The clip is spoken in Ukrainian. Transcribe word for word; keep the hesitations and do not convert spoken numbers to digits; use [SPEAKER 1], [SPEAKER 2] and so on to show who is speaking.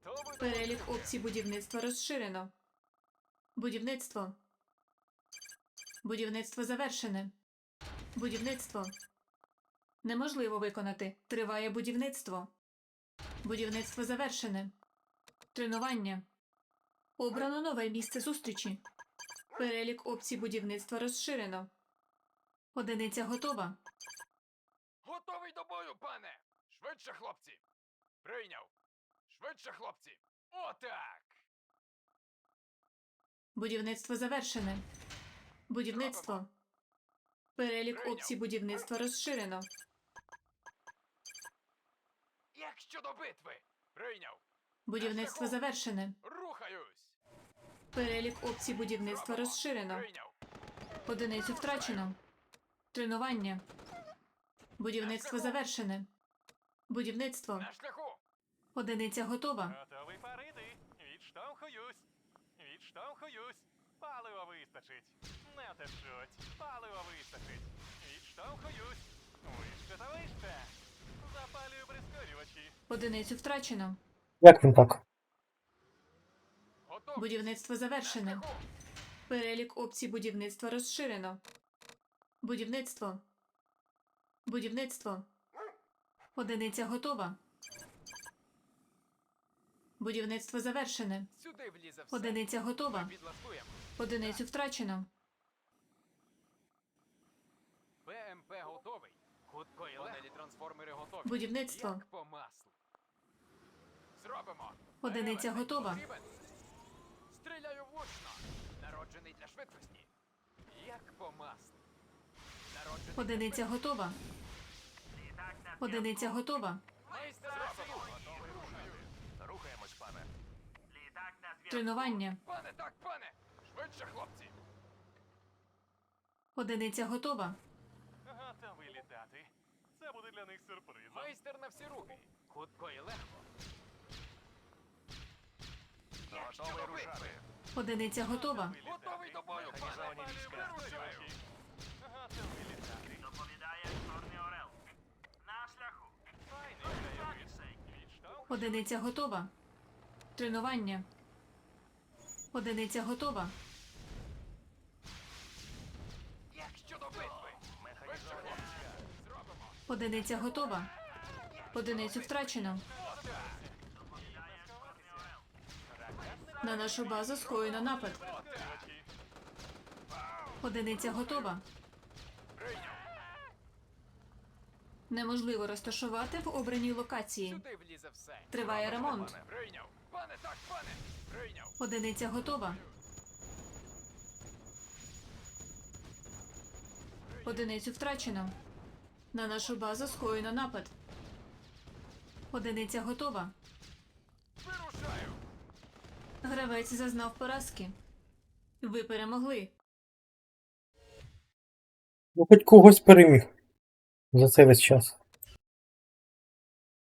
[SPEAKER 1] Готовий до
[SPEAKER 2] Перелік опцій будівництва розширено. Будівництво. Будівництво завершене. Будівництво. Неможливо виконати. Триває будівництво. Будівництво завершене. Тренування. Обрано нове місце зустрічі. Перелік опцій будівництва розширено. Одиниця готова.
[SPEAKER 1] Готовий до бою, пане! Швидше, хлопці! Прийняв! Швидше, хлопці! Отак!
[SPEAKER 2] Будівництво завершене. Будівництво. Перелік опцій будівництва розширено.
[SPEAKER 1] Як щодо битви? Прийняв!
[SPEAKER 2] Будівництво завершене.
[SPEAKER 1] Рухаюсь!
[SPEAKER 2] Перелік опцій будівництва розширено.
[SPEAKER 1] Прийняв!
[SPEAKER 2] Одиницю втрачено. Тренування. Будівництво завершене. Будівництво.
[SPEAKER 1] На шляху!
[SPEAKER 2] Одиниця готова.
[SPEAKER 3] Готовий парити. Відштовхуюсь. Відштовхуюсь. Палива вистачить. Не течуть. Палива вистачить. Відштовхуюсь. Вище та вище. Запалюю прискорювачі.
[SPEAKER 2] Одиницю втрачено.
[SPEAKER 4] Як він так?
[SPEAKER 1] Готовий!
[SPEAKER 2] Будівництво завершене.
[SPEAKER 1] На шляху!
[SPEAKER 2] Перелік опцій будівництва розширено. Будівництво. Будівництво. Одиниця готова. Будівництво завершене.
[SPEAKER 1] Сюди влізе все.
[SPEAKER 2] Одиниця готова.
[SPEAKER 1] Підлаштуємо.
[SPEAKER 2] Одиницю втрачено.
[SPEAKER 1] БМП готовий. Хутко і легко. Трансформери готові.
[SPEAKER 2] Будівництво.
[SPEAKER 1] Як по маслу. Зробимо.
[SPEAKER 2] Одиниця
[SPEAKER 1] Елемент
[SPEAKER 2] готова.
[SPEAKER 1] потрібен. Стріляю влучно. Народжений для швидкості. Як по маслу. Народжений для
[SPEAKER 2] Одиниця готова. Одиниця готова.
[SPEAKER 1] майстер на всі руки.
[SPEAKER 3] Рухаємось, пане.
[SPEAKER 2] Тренування.
[SPEAKER 1] Пане, так, пане. Швидше, хлопці.
[SPEAKER 2] Одиниця готова.
[SPEAKER 3] Готовий літати. Це буде для них сюрпризом.
[SPEAKER 1] Майстер на всі руки. Хутко і легко. Як
[SPEAKER 3] Готовий
[SPEAKER 1] щодо
[SPEAKER 3] рушати.
[SPEAKER 1] битви?
[SPEAKER 2] Одиниця готова.
[SPEAKER 1] Готовий до бою, пане.
[SPEAKER 3] Механізовані війська.
[SPEAKER 1] Вирушаю.
[SPEAKER 3] Готовий літати.
[SPEAKER 5] Доповідає Чорний Орел. На шляху.
[SPEAKER 3] Файний краєвид. Відштовхуюсь.
[SPEAKER 2] Одиниця готова. Тренування. Одиниця готова.
[SPEAKER 1] Як щодо битви? Швидше, хлопці. Зробимо.
[SPEAKER 2] Одиниця готова. Одиницю втрачено.
[SPEAKER 5] Доповідає Чорний Орел.
[SPEAKER 2] На нашу базу скоєно напад.
[SPEAKER 3] Прискорювачі.
[SPEAKER 2] Одиниця готова.
[SPEAKER 1] Прийняв.
[SPEAKER 2] Неможливо розташувати в обраній локації.
[SPEAKER 1] Сюди влізе все.
[SPEAKER 2] Триває ремонт.
[SPEAKER 1] Прийняв. Пане, так, пане. Прийняв.
[SPEAKER 2] Одиниця готова. Одиницю втрачено. На нашу базу скоєно напад. Одиниця готова.
[SPEAKER 1] Вирушаю.
[SPEAKER 2] Гравець зазнав поразки. Ви перемогли.
[SPEAKER 4] Ну, хоч когось переміг за цей весь час.